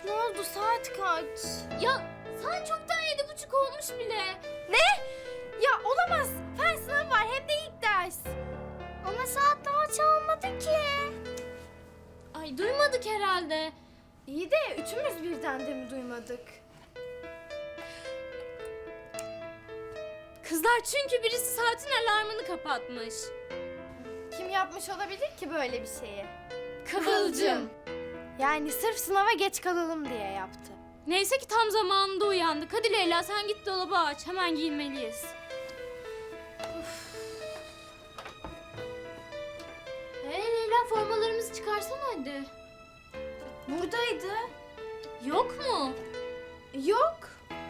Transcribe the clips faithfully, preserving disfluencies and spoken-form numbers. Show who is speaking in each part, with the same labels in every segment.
Speaker 1: Ne oldu? Saat kaç?
Speaker 2: Ya saat çoktan yedi buçuk olmuş bile.
Speaker 1: Ne? Ya olamaz. Fen sınavı var hem de ilk ders. Ama saat daha çalmadı ki.
Speaker 2: Ay duymadık herhalde.
Speaker 1: İyi de üçümüz birden de mi duymadık?
Speaker 2: Kızlar çünkü birisi saatin alarmını kapatmış.
Speaker 1: Kim yapmış olabilir ki böyle bir şeyi?
Speaker 2: Kıvılcım.
Speaker 1: Yani sırf sınava geç kalalım diye yaptı.
Speaker 2: Neyse ki tam zamanında uyandık. Hadi Leyla sen git dolabı aç. Hemen giyinmeliyiz. Hey Leyla formalarımızı çıkarsana hadi.
Speaker 1: Buradaydı.
Speaker 2: Yok mu?
Speaker 1: Yok.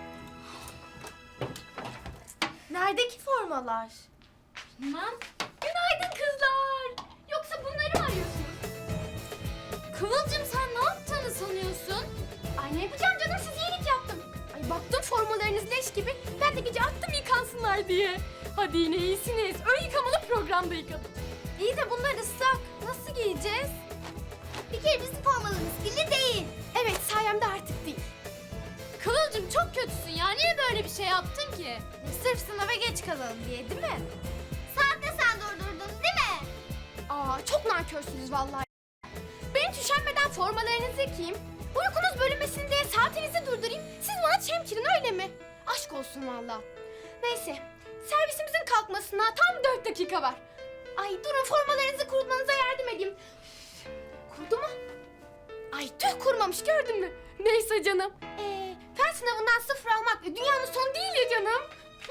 Speaker 1: Nerede ki formalar?
Speaker 2: Bilmem. Günaydın kızlar. Yoksa bunları mı arıyorsunuz? Kıvılcım sen ne yaptığını sanıyorsun?
Speaker 1: Ay ne yapacağım canım, siz iyilik yaptım. Ay baktım formalarınız leş gibi. Ben de gece attım yıkansınlar diye. Hadi yine iyisiniz. Ön yıkamalı programda yıkadım. İyi de bunlar ıslak. Nasıl giyeceğiz? Bir kere bizim formalarımız kirli değil. Evet sayemde artık değil.
Speaker 2: Kıvılcım çok kötüsün ya. Niye böyle bir şey yaptın ki?
Speaker 1: Sırf sınava geç kalalım diye değil mi?
Speaker 3: Saat de sen durdurdun değil mi?
Speaker 1: Aa çok nankörsünüz vallahi. Ben hiç üşenmeden formalarınızı yıkayayım. Uykunuz bölünmesin diye saatinizi durdurayım. Siz bana çemkirin öyle mi? Aşk olsun vallahi. Neyse servisimizin kalkmasına tam dört dakika var. Ay durun formalarınızı kurutmanıza yardım edeyim. Üf, Kurudu mu? Ay tüh kurumamış gördün mü? Neyse canım. Ee, fen sınavından sıfır almak dünyanın sonu değil ya canım.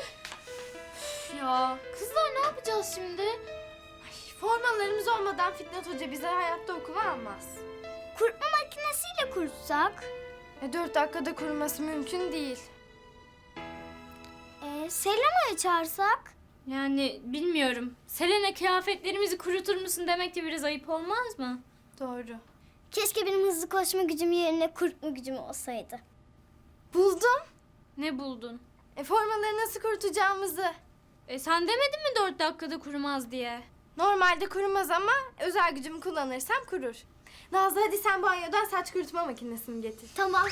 Speaker 2: Ya kızlar ne yapacağız şimdi?
Speaker 1: Ay, formalarımız olmadan Fitnat Hoca bize hayatta okula almaz.
Speaker 3: Kurutma makinesiyle kurutsak.
Speaker 1: E, dört dakikada kuruması mümkün değil.
Speaker 3: Ee, Selena'yı çağırsak.
Speaker 2: Yani bilmiyorum. Selena kıyafetlerimizi kurutur musun demek de biraz ayıp olmaz mı?
Speaker 1: Doğru.
Speaker 3: Keşke benim hızlı koşma gücüm yerine kurutma gücüm olsaydı.
Speaker 1: Buldum.
Speaker 2: Ne buldun?
Speaker 1: E, formaları nasıl kurutacağımızı.
Speaker 2: E sen demedin mi dört dakikada kurumaz diye?
Speaker 1: Normalde kurumaz ama özel gücümü kullanırsam kurur. Nazlı hadi sen banyodan saç kurutma makinesini getir.
Speaker 3: Tamam.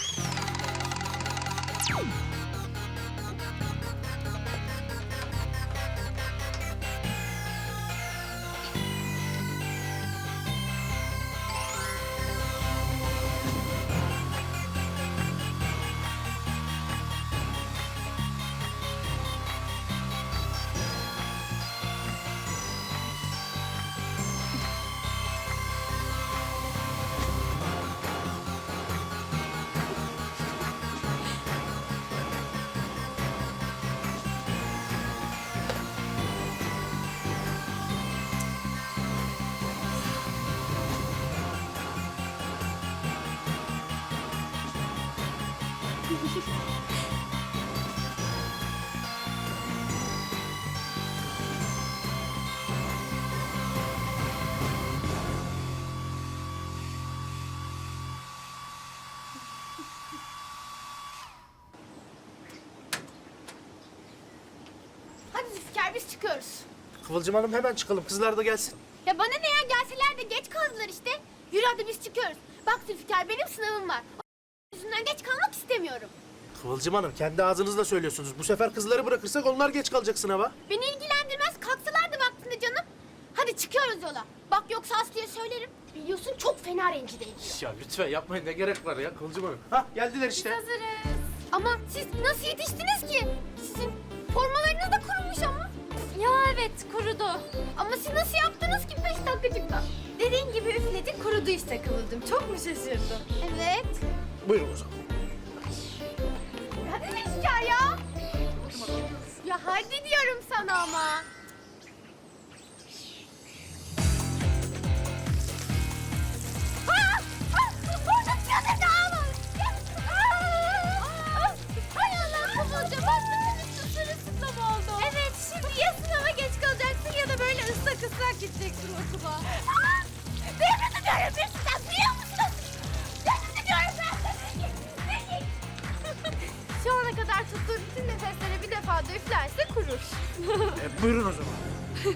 Speaker 1: Hadi Zülfikar biz çıkıyoruz.
Speaker 4: Kıvılcım Hanım hemen çıkalım. Kızlar da gelsin.
Speaker 1: Ya bana ne ya, gelseler de geç kaldılar işte. Yürü hadi biz çıkıyoruz. Bak Zülfikar benim sınavım var. O yüzünden geç kalmak istemiyorum.
Speaker 4: Kıvılcım Hanım kendi ağzınızla söylüyorsunuz. Bu sefer kızları bırakırsak onlar geç kalacak sınava.
Speaker 1: Beni ilgilendirmez, kalksalardı vaktinde canım. Hadi çıkıyoruz yola. Bak yoksa Aslı'ya söylerim. Biliyorsun çok fena rencide ediyor.
Speaker 4: Ya lütfen yapmayın, ne gerek var ya Kıvılcım Hanım. Hah geldiler işte.
Speaker 1: Hazırız. Ama siz nasıl yetiştiniz ki? Sizin formalarınız da kurumuş ama.
Speaker 2: Ya evet kurudu.
Speaker 1: Ama siz nasıl yaptınız ki beş dakikacıkta? Dediğin gibi üfledik kurudu işte Kıvılcım. Çok mu şaşırdın? Evet.
Speaker 4: Buyurun o zaman.
Speaker 1: Hadi Zülfikar ya. Ya hadi diyorum sana ama. Aa! Aa! Burada çadırda ağ var. Aa! Hay Allah Kıvılcım, bak bütün üstü sırılsıklam oldu. Evet, şimdi ya sınava geç kalacaksın ya da böyle ıslak ıslak gideceksin okula. Aa! Nefret ediyorum bir sizden, biliyor musun? Nefret ediyorum ben seni. Şu ana kadar tuttuğu bütün nefeslere bir defa da üflerse kurur.
Speaker 4: E, buyurun o zaman.